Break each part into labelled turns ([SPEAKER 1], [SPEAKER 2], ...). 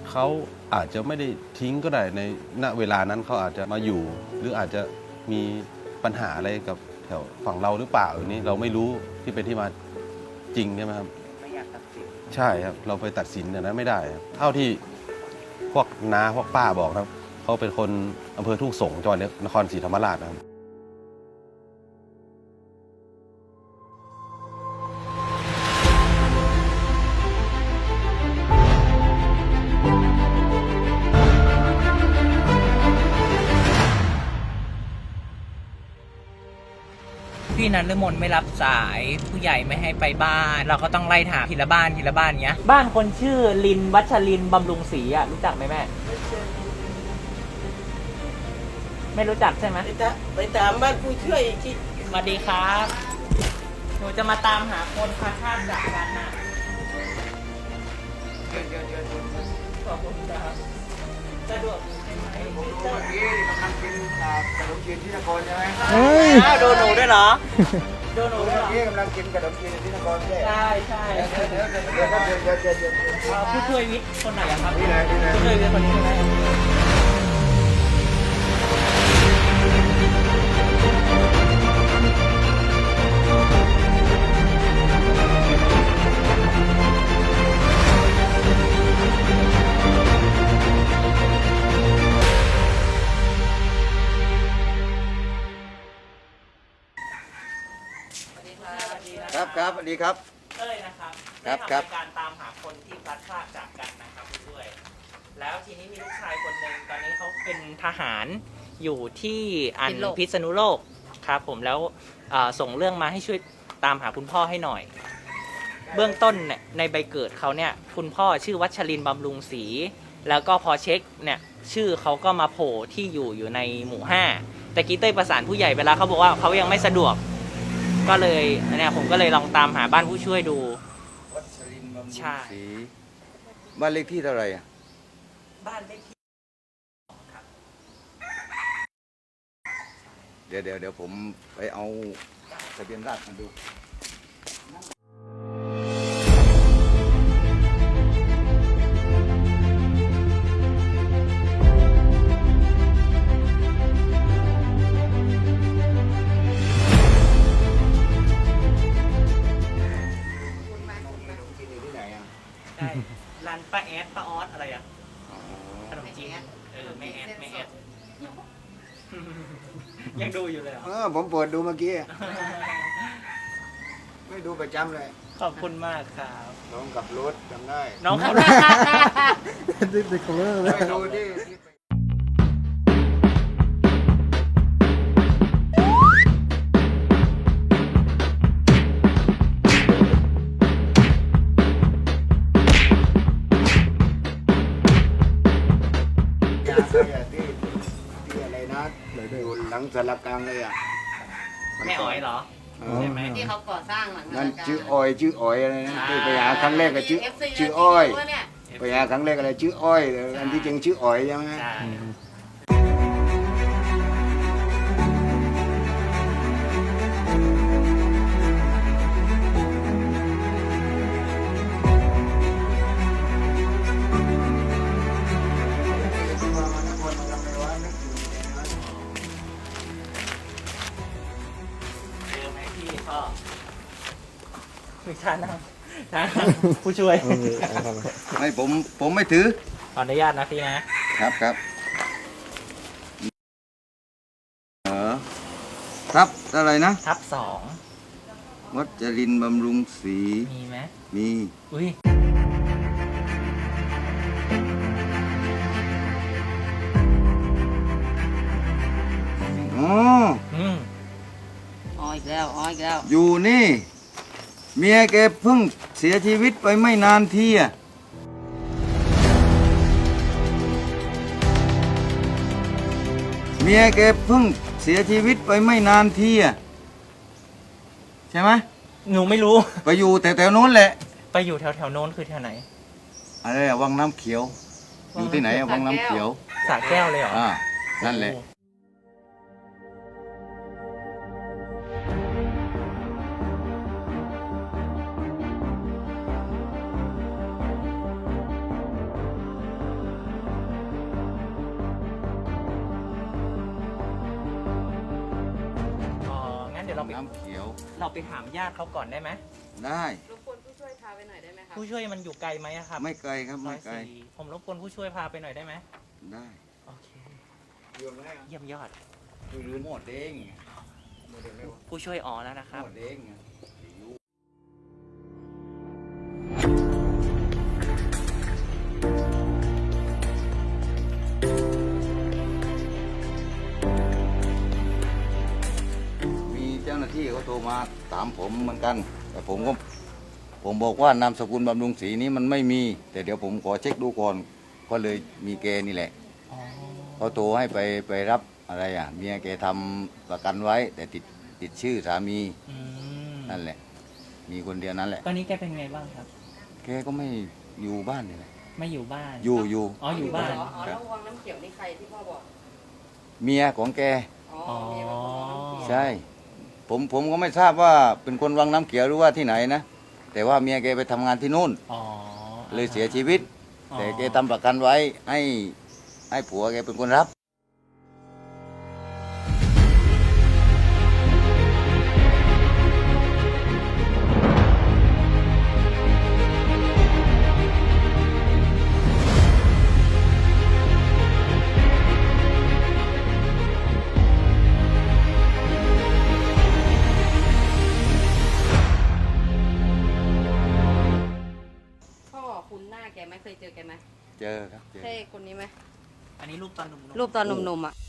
[SPEAKER 1] เขาอาจจะไม่ได้ทิ้งก็ได้ในณเวลานั้นเขาอาจจะมาอยู่ หรืออาจจะมีปัญหาอะไรกับแถวฝั่งเราหรือเปล่าอย่างนี้เราไม่รู้ที่เป็นที่มาจริงใช่ไหมครับ
[SPEAKER 2] ไม่อยากตัดสิน
[SPEAKER 1] ใช่ครับเราไปตัดสินอย่างนั้นไม่ได้ครับเท่าที่พวกน้าพวกป้าบอกครับเขาเป็นคนอำเภอทุ่งสงศ์จังหวัดนครศรีธรรมราชนะครับ
[SPEAKER 2] พี่นันฤมลไม่รับสายผู้ใหญ่ไม่ให้ไปบ้านเราก็ต้องไล่ถามทีละบ้านเงี้ยบ้านคนชื่อลินวัชรินบำรุงศรีอ่ะรู้จักไหมแม่ไม่รู้จักใช่ไหม
[SPEAKER 3] ไปตามบ้านผู้ช่วยที่
[SPEAKER 2] สวัสดีครับหนูจะมาตามหาคนพาข้ามจากกันน่ะเดี๋ยวขอบคุณครับสะดวกใช่ไหม
[SPEAKER 4] ผมรู้เมื่อกี้กำลังกินขนมจีนที่นครใช่ไหม
[SPEAKER 2] อ้าวโดนหนูด้วยเหรอโดนหนูด้วยเหรอ
[SPEAKER 4] เมื่อกี้กำลังกินขนมจีนที่นครใช่
[SPEAKER 2] ใช่
[SPEAKER 4] เดี๋ยว
[SPEAKER 2] ผู้ช่วยวิทย์คนไหนครับ
[SPEAKER 4] นี่เลย
[SPEAKER 2] ผู้ช่วยวิทย์คนนี้ใช่ไหม
[SPEAKER 4] ครับสวัสดีครับ
[SPEAKER 2] เอ้ยนะครับ
[SPEAKER 4] ครับ
[SPEAKER 2] ได้ทำการตามหาคนที่พลัดพรากจากกันนะครับผู้ช่วยแล้วทีนี้มีลูกชายคนหนึ่งตอนนี้เขาเป็นทหารอยู่ที่พิษณุโลกครับผมแล้วส่งเรื่องมาให้ช่วยตามหาคุณพ่อให้หน่อย เบื้องต้นเนี่ยในใบเกิดเขาเนี่ยคุณพ่อชื่อวัชรินทร์บำรุงศรีแล้วก็พอเช็คเนี่ยชื่อเขาก็มาโผล่ที่อยู่ในหมู่5แต่กี้เต้ยประสานผู้ใหญ่ไปแล้วเขาบอกว่าเขายังไม่สะดวกก็เลยเนี่ยผมก็เลยลองตามหาบ้านผู้ช่วยดู
[SPEAKER 4] วัชรินทร์บำรุงศ
[SPEAKER 2] ใช่
[SPEAKER 4] รีบ้านเลขที่เท่าไหร่อ่ะ
[SPEAKER 2] บ้านเลขที่ครับ
[SPEAKER 4] เดี๋ยวผมไปเอาทะเบียนราษฎร์มาดู
[SPEAKER 2] ใช่ร้านป้าแอดป้าออสอะไรอ่ะขนมจีนแม่แอดยังดูอยู่เลยเหรอ
[SPEAKER 4] ผมเปิดดูเมื่อกี้ไม่ดูประจำเลย
[SPEAKER 2] ขอบคุณมากครับ
[SPEAKER 4] น้องกับรถจำได้
[SPEAKER 2] น้องเขา
[SPEAKER 4] ไม่ดูที่ที่อะไรนะอยู่หลังสารกลางเลยอ่ะ
[SPEAKER 2] แม่อ๋อยเหรอใช่ไหม
[SPEAKER 3] ที่เขาก่อสร้างหลัง
[SPEAKER 4] นั่นชื่ออ้อยอะไรนะที่ไปหาครั้งแรกก็ชื่ออ้อยไปหาครั้งแรกอะไรชื่ออ้อยอันที่จริงชื่ออ้อยใช่ไหม
[SPEAKER 2] มีชานั่งผู้ช่วย
[SPEAKER 4] ไม่ผมไม่ถือ
[SPEAKER 2] ขออนุญาตนะพี่นะครับ
[SPEAKER 4] ครับอะไรนะ
[SPEAKER 2] ทับ2
[SPEAKER 4] วัชรินทร์บำรุงศรี
[SPEAKER 2] มีไหม
[SPEAKER 4] มี
[SPEAKER 2] อุ้ย
[SPEAKER 3] อีกแล้ว
[SPEAKER 4] อยู่นี่เมียแกเพิ่งเสียชีวิตไปไม่นานทีอ่ะเมียแกเพิ่งเสียชีวิตไปไม่นานทีอ่ะใช่ไหม
[SPEAKER 2] หนูไม่รู้
[SPEAKER 4] ไปอยู่แต่แถวโน้นแหละ
[SPEAKER 2] ไปอยู่แถวโน้นคือแถวไหน
[SPEAKER 4] อะไรวังน้ำเขียวอยู่ที่ไหนวังน้ำเขียว
[SPEAKER 2] สระแก้วเลยเหรอ
[SPEAKER 4] นั่นแหละ
[SPEAKER 2] เราไป
[SPEAKER 4] น้ำเขียว
[SPEAKER 2] เราไปถามญาติเขาก่อนได้ไหม
[SPEAKER 4] ได้
[SPEAKER 3] รบกวนผู้ช่วยพาไปหน่อยได้ไหมครับ
[SPEAKER 2] ผู้ช่วยมันอยู่ไกลไหมอะครับ
[SPEAKER 4] ไม่ไกลครับ
[SPEAKER 2] ซอ
[SPEAKER 4] ไม่
[SPEAKER 2] ย
[SPEAKER 4] ไกล
[SPEAKER 2] สี่ผมรบกวนผู้ช่วยพาไปหน่อยได้ไหม
[SPEAKER 4] ได้
[SPEAKER 2] โอเค
[SPEAKER 4] เยี่ยมแล้ว
[SPEAKER 2] เยี่ยมยอด
[SPEAKER 4] คือหมดเอง
[SPEAKER 2] ผู้ช่วยอ๋อแล้วนะครับ
[SPEAKER 4] หมดเอง มีเจ้าหน้าที่เขาโทรมาถามผมเหมือนกัน แต่ผมบอกว่านามสกุลบำรุงศรีนี้มันไม่มี แต่เดี๋ยวผมขอเช็คดูก่อนก็เลยมีแกนี่แหละ
[SPEAKER 2] อ๋อ
[SPEAKER 4] เขาโทรให้ไปรับอะไรอ่ะเมียแกทำประกันไว้ แต่ติดชื่อสามี
[SPEAKER 2] อืม
[SPEAKER 4] นั่นแหละ มีคนเดียวนั้นแหละ
[SPEAKER 2] ตอนนี้แกเป็นไงบ้างครับ
[SPEAKER 4] แกก็ไม่อยู่บ้านนี่แหละ
[SPEAKER 2] ไม่อยู่บ้าน
[SPEAKER 4] อยู่
[SPEAKER 2] อ๋ออยู่บ้าน
[SPEAKER 3] อ๋อแล้ววังน้ำเขียวนี่ใครที่พ่อบอก
[SPEAKER 4] เมียของแก
[SPEAKER 3] อ๋อเมียเป็นคนวังน้ำเขียว
[SPEAKER 4] ใช่ ผมก็ไม่ทราบว่าเป็นคนวังน้ำเขียวหรือว่าที่ไหนนะ แต่ว่าเมียแกไปทำงานที่นู่น
[SPEAKER 2] อ๋อ
[SPEAKER 4] เลยเสียชีวิต
[SPEAKER 2] อ๋อ
[SPEAKER 4] แต่แกทำประกันไว้ให้ผัวแกเป็นคนรับ
[SPEAKER 3] พ่อคุณหน้าแกไหมเคยเจอแกไหม
[SPEAKER 4] เจอครับเจอ
[SPEAKER 3] ใช่คนนี้ไหม
[SPEAKER 2] อันนี้รูปตอนหนุ่มๆ
[SPEAKER 3] รูปตอนหนุ่มๆอ่ะ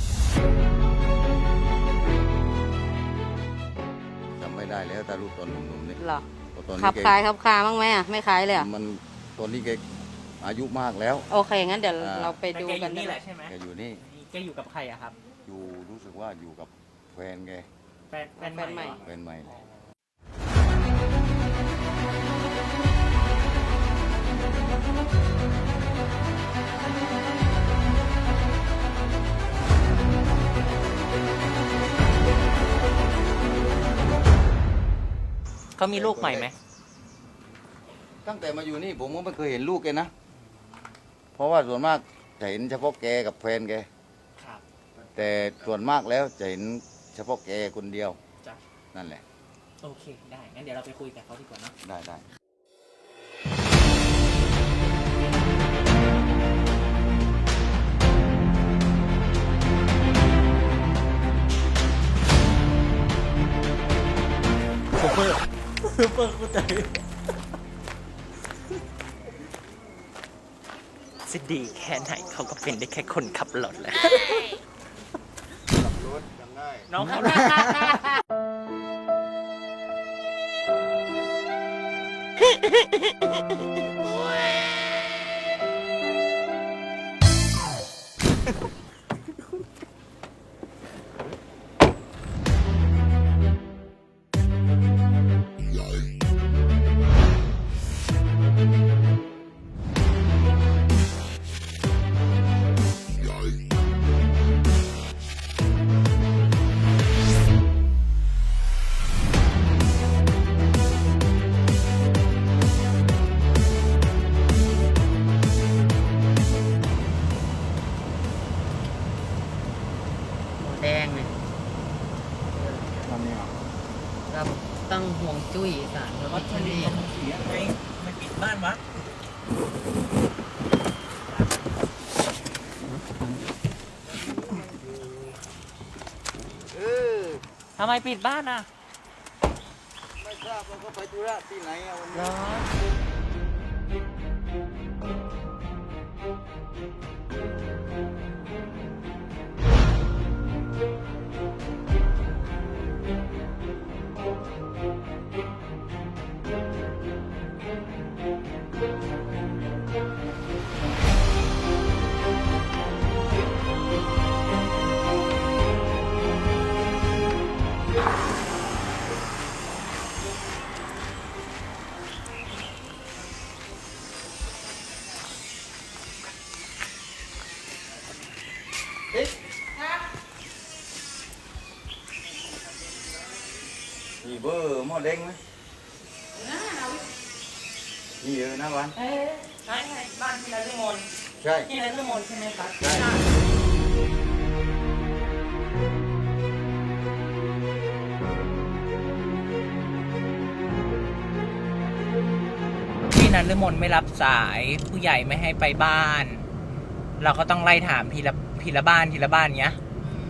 [SPEAKER 4] จำไม่ได้แล้วแต่รูปตอนหนุ่มๆนี่
[SPEAKER 3] เหรอ
[SPEAKER 4] เพราะตอน
[SPEAKER 3] ขั
[SPEAKER 4] นี้
[SPEAKER 3] บ
[SPEAKER 4] แก
[SPEAKER 3] คล้ายขับคาบ้างไหมอ่ะไม่คล้ายเลยอ่ะ
[SPEAKER 4] มันตอนนี้แกอายุมากแล้ว
[SPEAKER 3] โอเคงั้นเดี๋ยว
[SPEAKER 4] อ่า
[SPEAKER 3] เราไป
[SPEAKER 2] แต่
[SPEAKER 3] ดู
[SPEAKER 2] แกอ
[SPEAKER 3] กัน
[SPEAKER 2] ยู่นี่แหละใช่ไหม
[SPEAKER 4] แกอยู่นี่
[SPEAKER 2] แกอยู่กับใครอะครับ
[SPEAKER 4] อยู่รู้สึกว่าอยู่กับแฟนแก
[SPEAKER 2] แฟนใหม่เหรอ
[SPEAKER 4] แฟนใหม่เลย
[SPEAKER 2] เขามีลูกใหม่ไหม
[SPEAKER 4] ตั้งแต่มาอยู่นี่ผมก็ไม่เคยเห็นลูกแกนะ เพราะว่าส่วนมากจะเห็นเฉพาะแกกับแฟนแก
[SPEAKER 2] ครับ
[SPEAKER 4] แต่ส่วนมากแล้วจะเห็นเฉพาะแกคนเดียว
[SPEAKER 2] จ้ะ
[SPEAKER 4] นั่นแหละ
[SPEAKER 2] โอเค ได้ งั้นเดี๋ยวเราไปคุยกับเขาดีกว่าเนอะ
[SPEAKER 4] ได้
[SPEAKER 2] ซูเปอร์เข้าใจจะดีแค่ไหนเขาก็เป็นได้แค่คนขับรถแหละ
[SPEAKER 4] ขับรถยังได้
[SPEAKER 2] น้องขับรถแดงเนี่ย
[SPEAKER 4] ตอนนี้
[SPEAKER 3] เราตั้งห่วงจุ้ยสารพระพิฆเนศ
[SPEAKER 2] เสียไงไม่ปิดบ้านวะทำไมปิดบ้านอ่ะ
[SPEAKER 4] ไม่ทราบว่าเขาไปธุระที่ไหนอะวัน
[SPEAKER 2] เหร
[SPEAKER 4] นี้
[SPEAKER 2] อ
[SPEAKER 4] มีเบอร์หม้อเด้งไหมมีเยอะนะวัน
[SPEAKER 2] ใช่บ้านที่นฤมล
[SPEAKER 4] ใช่
[SPEAKER 2] ที่นฤมลใช่ไหมครับ
[SPEAKER 4] ใช่
[SPEAKER 2] ในฤมลไม่รับสายผู้ใหญ่ไม่ให้ไปบ้าน เราก็ต้องไล่ถามทีละบ้านเงี้ย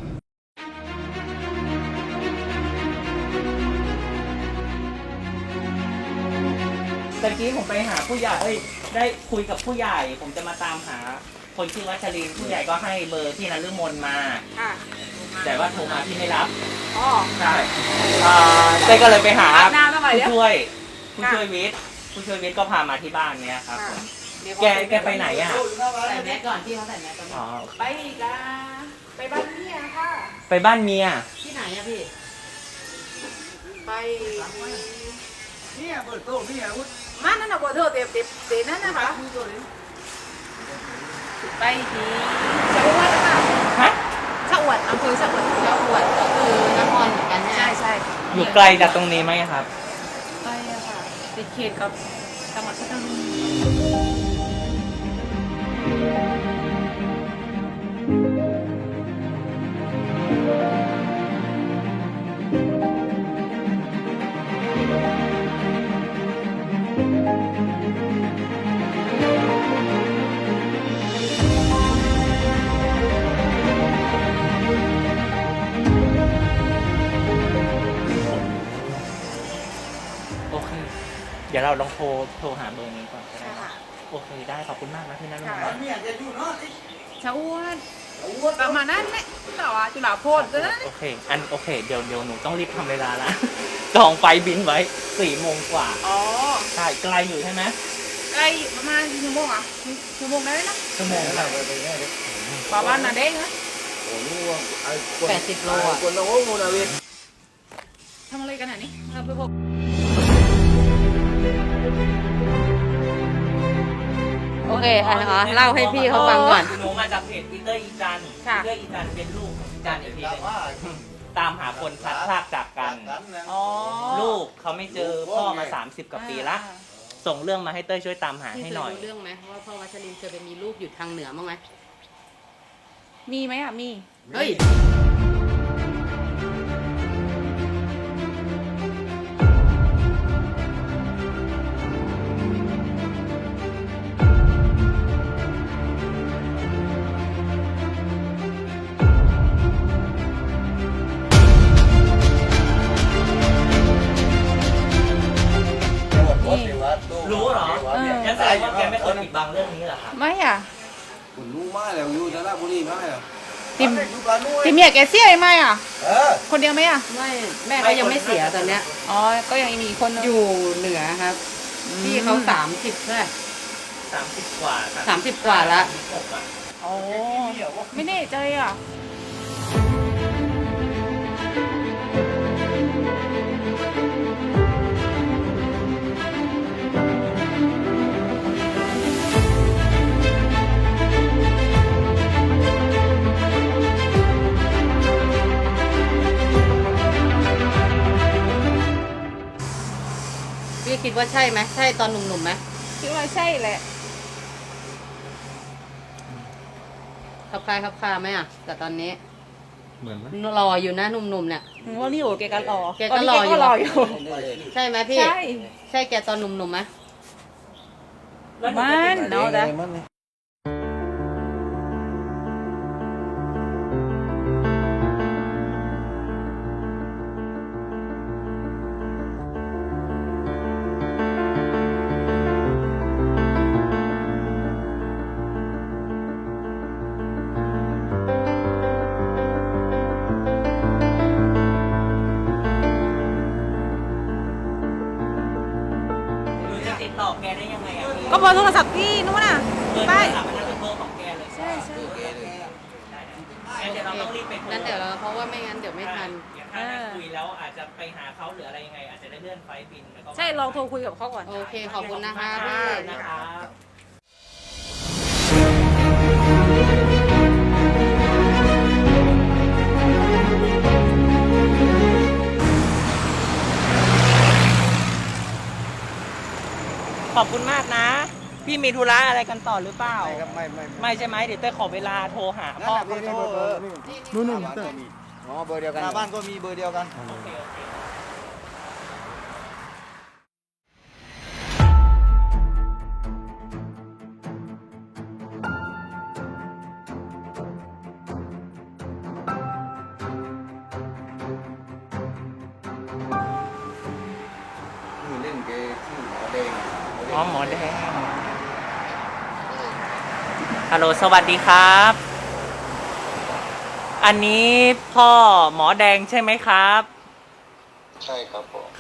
[SPEAKER 2] ตะกี้ผมไปหาผู้ใหญ่ได้คุยกับผู้ใหญ่ ผมจะมาตามหาคนชื่อวัชรินทร์ผู้ใหญ่ก็ให้เบอร์ที่นฤมลมา
[SPEAKER 5] ค่ะ
[SPEAKER 2] แต่ว่าโทรมาที่ไม่รับ
[SPEAKER 5] อ๋อ
[SPEAKER 2] ใช่เต้ก็เลยไปหา
[SPEAKER 5] อาบน้ำมาใหม่
[SPEAKER 2] ผู้
[SPEAKER 5] เดี๋ยว
[SPEAKER 2] ช่วยวิทย์ก็พามาที่บ้านเนี้ยครับผม แกไปไหนอ่ะ
[SPEAKER 3] ใส่แมสก่อนพี่เขาใส่แมสก่อน
[SPEAKER 2] อ๋อ
[SPEAKER 5] ไปอีกละไปบ้านเนี่ยค่ะ
[SPEAKER 2] ไปบ้านเมีย
[SPEAKER 3] ที่ไหนอะพี่
[SPEAKER 5] ไป
[SPEAKER 4] เนี่ยเปิดโต๊ะนี่อาวุธ
[SPEAKER 5] มานั่นน่ะบ่เธอเต็มนั่นนะคะไปที่ชะอวดค่ะ
[SPEAKER 2] ฮะ
[SPEAKER 5] ชะอวดอำเภอชะอวด
[SPEAKER 3] แล้วอวดก็คือนครเหมือนกันใช่ไหม
[SPEAKER 5] ใช่
[SPEAKER 2] อยู่ไกลจากตรงนี้ไหมครับ
[SPEAKER 5] ไปอะค่ะติดเขตกับจังหวัดพัทลุง
[SPEAKER 2] โอเค เดี๋ยวเราลองโทรหาเบอร์นี้ก่อนก็ได้
[SPEAKER 5] ค่ะ
[SPEAKER 2] โอเคได้ขอบคุณมากนะพี่นันท์
[SPEAKER 5] ค่ะ
[SPEAKER 4] เนี่ยจะอยู่เนาะ
[SPEAKER 5] ชะอวดประมาณนั้นไหมต่อจุฬาโพธิ์ก็ได้
[SPEAKER 2] โอเคเดี๋ยวหนูต้องรีบทำเวลาละ จองไฟล์บินไว้4 โมงกว่า
[SPEAKER 5] อ๋อ
[SPEAKER 2] ใช่ไกลอยู่ใช่ไหม
[SPEAKER 5] ใกล้ประมาณชั่วโมงอ่ะชั่วโมงได้ไหมนะ
[SPEAKER 2] ชั่วโมงละ
[SPEAKER 5] ประมาณนั้นเองนะ
[SPEAKER 3] 80 โลอะ
[SPEAKER 5] ทำอะไรกันอ่ะนี่เราไปพบ
[SPEAKER 3] โอเคค่ะนะคะเล่าให้พี่เขาฟังก่อน
[SPEAKER 2] หนูมาจากเพจปีเตอร์อีจัน
[SPEAKER 5] ค่ะ
[SPEAKER 2] ปีเตอร์อีจันเป็นลูกของอีจันอีกทีหนึงตามหาคนพลัดพรากจากกัน
[SPEAKER 5] อ๋อ
[SPEAKER 2] ลูกเขาไม่เจอพ่อมา30 กว่าปีละ ส่งเรื่องมาให้เต้ยช่วยตามหา
[SPEAKER 3] พี่
[SPEAKER 2] ให้
[SPEAKER 3] เค
[SPEAKER 2] หน่อย
[SPEAKER 3] ยรู้เรื่องไหมว่าพ่อวัชรินทร์เคยไปมีลูกอยู่ทางเหนือบ้างไหม
[SPEAKER 5] มีไหมอ่ะมี
[SPEAKER 3] เฮ้ย
[SPEAKER 2] รู้เหรองั้นแสดงว่าแกไม่เคยปิดบังเรื่องนี้เหรอครับ
[SPEAKER 5] ไม่อ่ะ
[SPEAKER 4] คุณรู้มาแล้วอยู่จะราชบุรีมาแล้ว
[SPEAKER 5] ติมติมเมียแกเสียไหมอ่ะ คนเดียวไหมอ่ะ
[SPEAKER 3] ไม่แม่เขายังไม่เสียตอนเนี้ย
[SPEAKER 5] อ๋อ ก็ยังมีอีกคนนึง
[SPEAKER 3] อยู่เหนือครับพี่เขา30ใช่ไหม
[SPEAKER 2] 30 กว่า
[SPEAKER 3] 30 กว่าละ
[SPEAKER 2] 36อะ
[SPEAKER 5] อ๋อ ไม่แน่ใจอ่ะ
[SPEAKER 3] พี่คิดว่าใช่ไหมใช่ตอนหนุ่มๆไหม
[SPEAKER 5] คิดว่าใช่แหละ
[SPEAKER 3] ขับคลายขับคาไหมอ่ะแต่ตอนนี้
[SPEAKER 1] เหมือนไหม
[SPEAKER 3] รออยู่นะหนุ่มๆเนี่ย
[SPEAKER 5] ว่านี่โอ้แกก็รอ
[SPEAKER 3] แกก็รออยู่
[SPEAKER 5] ตนนี้แกก็รออยู่
[SPEAKER 3] ใช่ไหมพี่
[SPEAKER 5] ใช่
[SPEAKER 3] ใช่แกตอนหนุ่มๆไหม
[SPEAKER 5] มันเนาะแต่
[SPEAKER 2] หนูจะติดต่อแกได้ยังไงอะพี่
[SPEAKER 5] ก็เบอร์โทรศัพท์พี่นู้นน่ะ
[SPEAKER 2] เบอร์โท
[SPEAKER 5] ไป
[SPEAKER 2] รศัพท์อันนั้นเป็นเบอร์ของแกเลย
[SPEAKER 5] ใช่ใช่
[SPEAKER 2] งั้นเดี๋ยวเราต้องรีบไปโทร
[SPEAKER 3] งั้นเดี๋ยวเราเพราะว่าไม่งั้นเดี๋ยวไม่ทัน
[SPEAKER 2] เดี๋ยวถ้าได้คุยแล้วอาจจะไปหาเขาหรืออะไรยังไง อาจจะได้เลื่อนไฟล์บินแล้วก็
[SPEAKER 5] ใช่ลองโทรคุยกับเขาก่อน
[SPEAKER 3] โอเคขอบคุณนะคะพี่
[SPEAKER 2] นะครับ ขอบคุณมากนะ พี่มีธุระอะไรกันต่อหรือเปล่า ไม่ใช่ไหมเดี๋ยวเต้ยขอเวลาโทรหาพ่อเขา
[SPEAKER 4] นู่นอ๋อเบอร์เดียวกันหน้าบ้านก็มีเบอร์เดียวกัน
[SPEAKER 2] โอเคโอเคอ๋อหมอแดงฮัลโหลสวัสดีครับ อันนี้พ่อหมอแดงใช่ไหมครับ
[SPEAKER 6] ใช่ครับผม